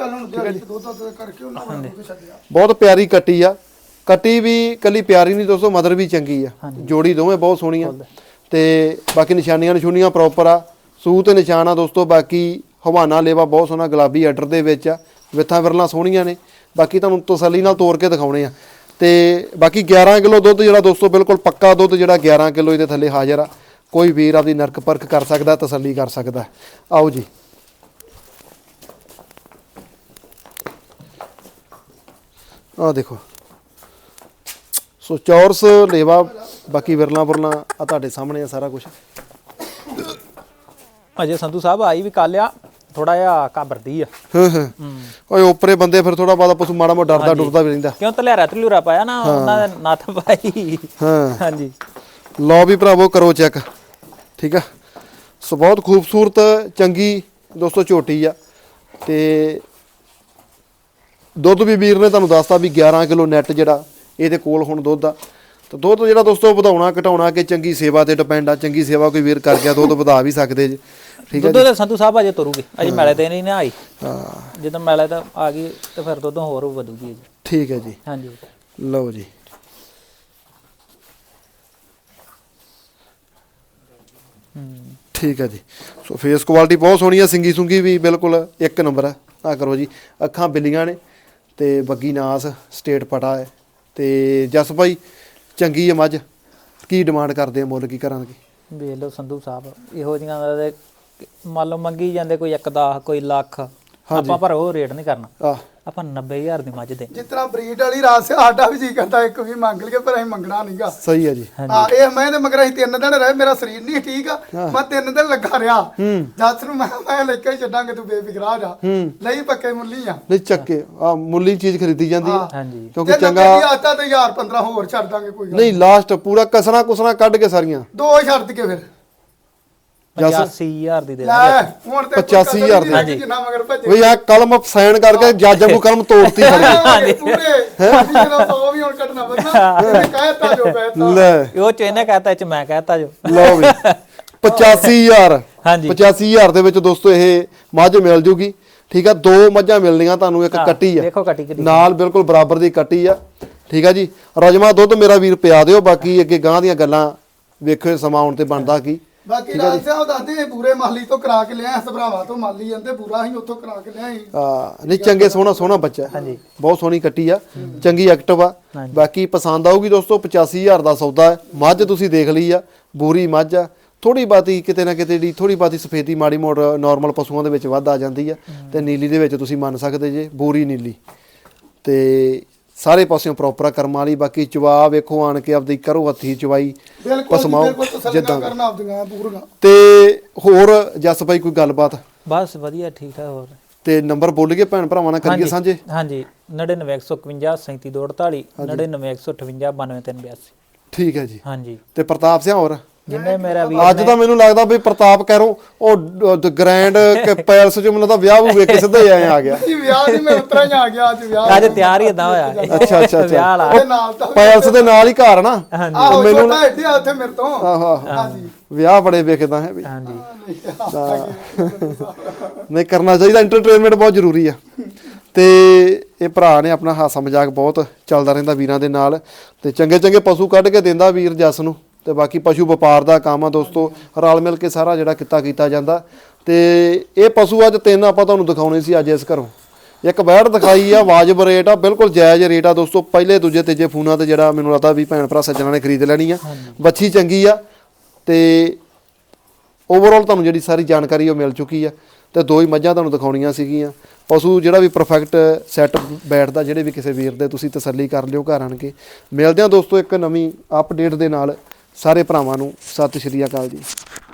S1: ਬਹੁਤ ਪਿਆਰੀ ਕੱਟੀ ਆ। ਕੱਟੀ ਵੀ ਕੱਲੀ ਪਿਆਰੀ ਨਹੀਂ ਦੋਸਤੋ, ਮਦਰ ਵੀ ਚੰਗੀ ਆ। ਜੋੜੀ ਦੋਵੇਂ ਬਹੁਤ ਸੋਹਣੀਆਂ, ਤੇ ਬਾਕੀ ਨਿਸ਼ਾਨੀਆਂ ਨਿਸ਼ੂਨੀਆਂ ਪ੍ਰੋਪਰ ਆ। ਸੂ ਤੇ ਨਿਸ਼ਾਨ ਆ ਦੋਸਤੋ। ਬਾਕੀ ਹਵਾਨਾ ਲੇਵਾ ਬਹੁਤ ਸੋਹਣਾ ਗੁਲਾਬੀ ਆਰਡਰ ਦੇ ਵਿੱਚ ਆ। ਵਿਥਾਂ ਵਿਰਲਾਂ ਸੋਹਣੀਆਂ ਨੇ। ਬਾਕੀ ਤੁਹਾਨੂੰ ਤਸੱਲੀ ਨਾਲ ਤੋੜ ਕੇ ਦਿਖਾਉਣੇ ਆ। ਤੇ ਬਾਕੀ ਗਿਆਰਾਂ ਕਿਲੋ ਦੁੱਧ ਜਿਹੜਾ ਦੋਸਤੋ ਬਿਲਕੁਲ ਪੱਕਾ ਦੁੱਧ ਜਿਹੜਾ ਗਿਆਰਾਂ ਕਿਲੋ ਇਹਦੇ ਥੱਲੇ ਹਾਜ਼ਰ ਆ। ਕੋਈ ਵੀਰ ਆਪਦੀ ਨਰਕ ਪਰਖ ਕਰ ਸਕਦਾ, ਤਸੱਲੀ ਕਰ ਸਕਦਾ। ਆਓ ਜੀ ਆਹ ਦੇਖੋ। ਸੋ ਚੌਰਸ ਲੇਵਾ, ਬਾਕੀ ਵਿਰਲਾ ਬੁਰਲਾ ਆ ਤੁਹਾਡੇ ਸਾਹਮਣੇ ਆ ਸਾਰਾ ਕੁਝ।
S2: ਅਜੇ ਸੰਧੂ ਸਾਹਿਬ ਆਈ ਵੀ ਕੱਲ ਆ, ਥੋੜਾ ਜਿਹਾ ਘਬਰਦੀ ਆ।
S1: ਹਾਂ ਹਾਂ ਓਏ ਓਪਰੇ ਬੰਦੇ ਫਿਰ ਥੋੜਾ ਬਾਦਾ ਪਸ਼ੂ ਮਾੜਾ ਮੋਟਾ ਡਰਦਾ ਡੁਰਦਾ ਵੀ ਰਹਿੰਦਾ।
S2: ਕਿਉਂ ਤਲਿਆਰਾ ਤਲੂਰਾ ਪਾਇਆ ਨਾ ਉਹਨਾਂ ਦੇ ਨੱਥ ਪਾਈ।
S1: ਹਾਂ
S2: ਹਾਂਜੀ
S1: ਲਓ ਵੀ ਭਰਾਵੋ ਕਰੋ ਚੈੱਕ। ਠੀਕ ਆ। ਸੋ ਬਹੁਤ ਖੂਬਸੂਰਤ ਚੰਗੀ ਦੋਸਤੋ ਝੋਟੀ ਆ। ਤੇ ਦੁੱਧ ਵੀ ਵੀਰ ਨੇ ਤੁਹਾਨੂੰ ਦੱਸਤਾ ਵੀ ਗਿਆਰਾਂ ਕਿਲੋ ਨੈਟ ਜਿਹੜਾ ਇਹਦੇ ਕੋਲ ਹੁਣ ਦੁੱਧ ਆ। ਤਾਂ ਦੁੱਧ ਜਿਹੜਾ ਦੋਸਤੋ ਵਧਾਉਣਾ ਘਟਾਉਣਾ ਕਿ ਚੰਗੀ ਸੇਵਾ ਤੇ ਡਿਪੈਂਡ ਆ। ਚੰਗੀ ਸੇਵਾ ਕੋਈ ਵੀਰ ਕਰ ਗਿਆ ਦੁੱਧ ਵਧਾ ਵੀ ਸਕਦੇ ਜੀ। ਠੀਕ ਹੈ
S2: ਦੁੱਧ ਦੇ ਸੰਧੂ ਸਾਹਿਬ ਅਜੇ ਤੁਰੂਗੇ, ਅਜੇ ਮੈਲੇ ਤੇ ਨਹੀਂ ਨਾ ਆਈ।
S1: ਹਾਂ
S2: ਜਦੋਂ ਮੈਲੇ ਤਾਂ ਆ ਗਈ ਤੇ ਫਿਰ ਦੁੱਧ ਹੋਰ ਵਧੂਗੀ ਜੀ।
S1: ਠੀਕ ਹੈ ਜੀ।
S2: ਹਾਂਜੀ
S1: ਲਓ ਜੀ ਠੀਕ ਹੈ ਜੀ। ਸੋ ਫੇਸ ਕੁਆਲਿਟੀ ਬਹੁਤ ਸੋਹਣੀ ਆ। ਸਿੰਗੀ ਸੁੰਗੀ ਵੀ ਬਿਲਕੁਲ ਇੱਕ ਨੰਬਰ ਆ। ਆ ਕਰੋ ਜੀ। ਅੱਖਾਂ ਬਿੱਲੀਆਂ ਨੇ, ਤੇ ਬੱਗੀ ਨਾਸ ਸਟੇਟ ਪਟਾ ਹੈ। ਤੇ ਜਸ ਭਾਈ ਚੰਗੀ ਹੈ ਮੱਝ। ਕੀ ਡਿਮਾਂਡ ਕਰਦੇ ਆ, ਮੁੱਲ ਕੀ ਕਰਾਂਗੇ?
S2: ਵੇਖ ਲਓ ਸੰਧੂ ਸਾਹਿਬ ਇਹੋ ਜਿਹੀਆਂ ਦਾ ਮੰਨ ਲਓ ਮੰਗੀ ਜਾਂਦੇ ਕੋਈ ਇੱਕ ਦਸ ਕੋਈ ਲੱਖ, ਆਪਾਂ ਪਰ ਉਹ ਰੇਟ ਨਹੀਂ ਕਰਨਾ।
S1: ਆਹ
S2: ਆਪਾਂ ਨੱਬੇ ਹਜ਼ਾਰ ਦੀ ਮੱਝ ਦੇ।
S3: ਜਿਸ ਤਰ੍ਹਾਂ ਬਰੀਡ ਵਾਲੀ ਰਾਸ ਸਾਡਾ ਵੀ ਜੀ ਕਰਦਾ ਇੱਕ ਵੀ ਮੰਗ ਲਈਏ, ਪਰ ਅਸੀਂ ਮੰਗਣਾ ਨਹੀਂਗਾ।
S1: ਸਹੀ ਹੈ ਜੀ।
S3: ਹਾਂ ਇਹ ਮੈਂ ਤੇ ਮਗਰ ਅਸੀਂ ਤਿੰਨ ਦਿਨ ਰਹੇ, ਮੇਰਾ ਸਰੀਰ ਨਹੀਂ ਠੀਕ ਆ, ਮੈਂ ਤਿੰਨ ਦਿਨ ਲੱਗਾ ਰਿਹਾ। ਜੱਸ ਨੂੰ ਮੈਂ ਮੈਂ ਲੈ ਕੇ ਛੱਡਾਂਗੇ, ਤੂੰ ਬੇਫਿਕਰਾ ਜਾ। ਨਹੀਂ ਪੱਕੇ ਮੁੱਲੀ ਆ।
S1: ਨਹੀਂ ਚੱਕੇ ਆ ਮੁੱਲੀ ਚੀਜ਼ ਖਰੀਦੀ ਜਾਂਦੀ ਹੈ।
S2: ਹਾਂਜੀ
S1: ਕਿਉਂਕਿ
S3: ਜੇ
S1: ਚੰਗਾ
S3: ਆਤਾ ਤੇ ਹਜ਼ਾਰ ਪੰਦਰਾਂ ਹੋਰ ਛੱਡ ਦਾਂਗੇ ਕੋਈ ਗੱਲ
S1: ਨਹੀਂ। ਲਾਸਟ ਪੂਰਾ ਕਸਣਾ ਕੁਸਣਾ ਕੱਢ ਕੇ ਸਾਰੀਆਂ
S3: ਦੋ ਛੱਡ ਕੇ ਫਿਰ
S2: ਪਚਾਸੀ ਹਜ਼ਾਰ ਦੀ ਦੇ
S3: ਲੈ ਹੁਣ ਤੇ
S1: ਪਚਾਸੀ ਹਜ਼ਾਰ ਦੀ।
S3: ਹਾਂਜੀ ਜਿੰਨਾ ਮਗਰ ਭੱਜੇ
S1: ਬਈ ਆ ਕਲਮ ਸਾਈਨ ਕਰਕੇ ਜੱਜ ਨੂੰ ਕਲਮ ਤੋੜਤੀ ਖੜੀ।
S3: ਪੂਰੇ ਜਿਹੜਾ ਸੌ ਵੀ ਹੁਣ ਕੱਢਣਾ ਬੰਦਾ ਇਹਨੇ ਕਹਿਤਾ ਜੋ ਕਹਿਤਾ।
S1: ਲੈ
S2: ਉਹ ਚ ਇਹਨੇ ਕਹਤਾ ਚ ਮੈਂ ਕਹਤਾ ਜੋ।
S1: ਲਓ ਵੀ ਪਚਾਸੀ ਹਜ਼ਾਰ।
S2: ਹਾਂਜੀ
S1: ਪਚਾਸੀ ਹਜ਼ਾਰ ਦੇ ਵਿੱਚ ਦੋਸਤੋ ਇਹ ਮੱਝ ਮਿਲ ਜੂਗੀ। ਠੀਕ ਆ। ਦੋ ਮੱਝਾਂ ਮਿਲਣੀਆਂ ਤੁਹਾਨੂੰ, ਇੱਕ ਕੱਟੀ ਆ
S2: ਦੇਖੋ ਕੱਟੀ ਕਿੱਡੀ
S1: ਨਾਲ ਬਿਲਕੁਲ ਬਰਾਬਰ ਦੀ ਕੱਟੀ ਆ। ਠੀਕ ਆ ਜੀ। ਰਜਮਾ ਦੁੱਧ ਮੇਰਾ ਵੀਰ ਪਿਆ ਦਿਓ। ਬਾਕੀ ਅੱਗੇ ਗਾਂ ਦੀਆਂ ਗੱਲਾਂ ਵੇਖਿਓ ਸਮਾਂ ਆਉਣ ਤੇ ਬਣਦਾ ਕੀ।
S3: ਬਾਕੀ ਰਾਜ ਸਾਹਿਬ ਦੱਸਦੇ ਪੂਰੇ ਮਾਲੀ ਤੋਂ ਕਰਾ ਕੇ ਲਿਆ, ਸਭਰਾਵਾ ਤੋਂ ਮਾਲੀ ਜਾਂਦੇ ਪੂਰਾ ਹੀ ਉੱਥੋਂ ਕਰਾ ਕੇ ਲਿਆ।
S1: ਆ ਨਹੀਂ ਚੰਗੇ ਸੋਹਣਾ ਸੋਹਣਾ ਬੱਚਾ। ਹਾਂਜੀ ਬਹੁਤ ਸੋਹਣੀ ਕੱਟੀ ਆ, ਚੰਗੀ ਐਕਟਿਵ ਆ। ਬਾਕੀ ਪਸੰਦ ਆਊਗੀ ਦੋਸਤੋ। ਪਚਾਸੀ ਹਜ਼ਾਰ ਦਾ ਸੌਦਾ ਹੈ। ਮੱਝ ਤੁਸੀਂ ਦੇਖ ਲਈ ਆ, ਬੂਰੀ ਮੱਝ ਆ। ਥੋੜੀ ਬਾਤੀ ਕਿਤੇ ਨਾ ਕਿਤੇ ਦੀ ਥੋੜੀ ਬਾਤੀ ਸਫੇਦੀ ਮਾੜੀ ਮੋੜ ਨਾਰਮਲ ਪਸ਼ੂਆਂ ਦੇ ਵਿੱਚ ਵੱਧ ਆ ਜਾਂਦੀ ਆ। ਤੇ ਨੀਲੀ ਦੇ ਵਿੱਚ ਤੁਸੀਂ ਮੰਨ ਸਕਦੇ ਜੇ ਬੂਰੀ ਨੀਲੀ। ਤੇ ਸਾਰੇ ਪਾਸਿਓਂ ਪ੍ਰੋਪਰ ਕਰਮਾਂ ਵਾਲੀ। ਬਾਕੀ ਚਵਾ ਵੇਖੋ ਆਣ ਕੇ ਆਪਦੀ ਕਰੋ ਹੱਥੀ ਚਵਾਈ ਪਸਮਾਓ ਜਿੱਦਾਂ
S3: ਕਰਨਾ ਆਪਦੀਆਂ ਪੂਰੀਆਂ।
S1: ਤੇ ਹੋਰ ਜਸ ਭਾਈ ਕੋਈ ਗੱਲਬਾਤ?
S2: ਬਸ ਵਧੀਆ ਠੀਕ ਠਾਕ। ਹੋਰ
S1: ਤੇ ਨੰਬਰ ਬੋਲ ਕੇ ਭੈਣ ਭਰਾਵਾਂ ਨਾਲ ਕਰੀਏ ਸਾਂਝੇ।
S2: ਹਾਂਜੀ ਨੜਿਨਵੇਂ ਇੱਕ ਸੌ ਇਕਵੰਜਾ ਸੈਂਤੀ ਦੋ ਅੜਤਾਲੀ ਨੜਿਨਵੇਂ ਇੱਕ ਸੌ ਅਠਵੰਜਾ ਬਾਨਵੇਂ ਤਿੰਨ ਬਿਆਸੀ।
S1: ਠੀਕ ਹੈ ਜੀ।
S2: ਹਾਂਜੀ
S1: ਤੇ ਪ੍ਰਤਾਪ ਸਿੰਘ ਹੋਰ
S2: ਜਿੰਨੇ ਮੇਰਾ ਵੀ
S1: ਅੱਜ ਤਾਂ ਮੈਨੂੰ ਲੱਗਦਾ ਵੀ ਪ੍ਰਤਾਪ ਕਹਿਰੋ ਉਹ ਗ੍ਰੈਂਡ ਪੈਲਸ ਚ ਮੈਨੂੰ ਤਾਂ ਵਿਆਹ ਵੀ ਵੇਖ ਕੇ ਸਿੱਧਾ ਹੀ ਆਇਆ ਆ ਗਿਆ।
S3: ਜੀ ਵਿਆਹ ਦੀ ਮੈਂ ਉਤਰਾ ਹੀ ਆ ਗਿਆ। ਅੱਜ ਵਿਆਹ
S2: ਅੱਜ ਤਿਆਰ ਹੀ ਇਦਾਂ ਹੋਇਆ।
S1: ਅੱਛਾ ਅੱਛਾ
S2: ਵਿਆਹ ਵਾਲਾ
S3: ਉਹਦੇ ਨਾਲ ਤਾਂ
S1: ਪੈਲਸ ਦੇ ਨਾਲ ਹੀ ਘਰ ਨਾ।
S3: ਆਹੋ ਛੋਟਾ ਐਡੀ ਆ ਉੱਥੇ ਮੇਰੇ ਤੋਂ।
S1: ਆਹੋ
S3: ਹਾਂਜੀ
S1: ਵਿਆਹ ਬੜੇ ਵੇਖਦਾ ਹੈ ਵੀ।
S2: ਹਾਂਜੀ
S1: ਨਹੀਂ ਕਰਨਾ ਚਾਹੀਦਾ, ਐਂਟਰਟੇਨਮੈਂਟ ਬਹੁਤ ਜ਼ਰੂਰੀ ਆ। ਤੇ ਇਹ ਭਰਾ ਨੇ ਆਪਣਾ ਹਾਸਾ ਮਜ਼ਾਕ ਬਹੁਤ ਚੱਲਦਾ ਰਹਿੰਦਾ ਵੀਰਾਂ ਦੇ ਨਾਲ ਤੇ ਚੰਗੇ ਚੰਗੇ ਪਸ਼ੂ ਕੱਢ ਕੇ ਦਿੰਦਾ ਵੀਰ ਜਸ ਨੂੰ। ਤੇ ਬਾਕੀ ਪਸ਼ੂ ਵਪਾਰ ਦਾ ਕੰਮ ਆ ਦੋਸਤੋ, ਰਲ ਮਿਲ ਕੇ ਸਾਰਾ ਜਿਹੜਾ ਕਿੱਤਾ ਕੀਤਾ ਜਾਂਦਾ। ਤੇ ਇਹ ਪਸ਼ੂ ਅੱਜ ਤਿੰਨ ਆਪਾਂ ਤੁਹਾਨੂੰ ਦਿਖਾਉਣੇ ਸੀ ਅੱਜ ਇਸ ਘਰੋਂ। ਇੱਕ ਬੈੜ ਦਿਖਾਈ ਆ, ਵਾਜਬ ਰੇਟ ਆ, ਬਿਲਕੁਲ ਜਾਇਜ਼ ਰੇਟ ਆ ਦੋਸਤੋ। ਪਹਿਲੇ ਦੂਜੇ ਤੀਜੇ ਫੋਨਾਂ ਤੇ ਜਿਹੜਾ ਮੈਨੂੰ ਲੱਗਦਾ ਵੀ ਭੈਣ ਭਰਾ ਸੱਜਣਾ ਨੇ ਖਰੀਦ ਲੈਣੀ ਆ। ਬੱਚੀ ਚੰਗੀ ਆ ਤੇ ਓਵਰਆਲ ਤੁਹਾਨੂੰ ਜਿਹੜੀ ਸਾਰੀ ਜਾਣਕਾਰੀ ਉਹ ਮਿਲ ਚੁੱਕੀ ਆ। ਤੇ ਦੋ ਹੀ ਮੱਝਾਂ ਤੁਹਾਨੂੰ ਦਿਖਾਉਣੀਆਂ ਸੀਗੀਆਂ। ਪਸ਼ੂ ਜਿਹੜਾ ਵੀ ਪਰਫੈਕਟ ਸੈੱਟ ਬੈਠਦਾ, ਜਿਹੜੇ ਵੀ ਕਿਸੇ ਵੀਰ ਦੇ, ਤੁਸੀਂ ਤਸੱਲੀ ਕਰ ਲਿਓ ਘਰ ਆਣ ਕੇ। ਮਿਲਦੇ ਹਾਂ ਦੋਸਤੋ ਇੱਕ ਨਵੀਂ ਅਪਡੇਟ ਦੇ ਨਾਲ। ਸਾਰੇ ਭਰਾਵਾਂ ਨੂੰ ਸਤਿ ਸ਼੍ਰੀ ਅਕਾਲ ਜੀ।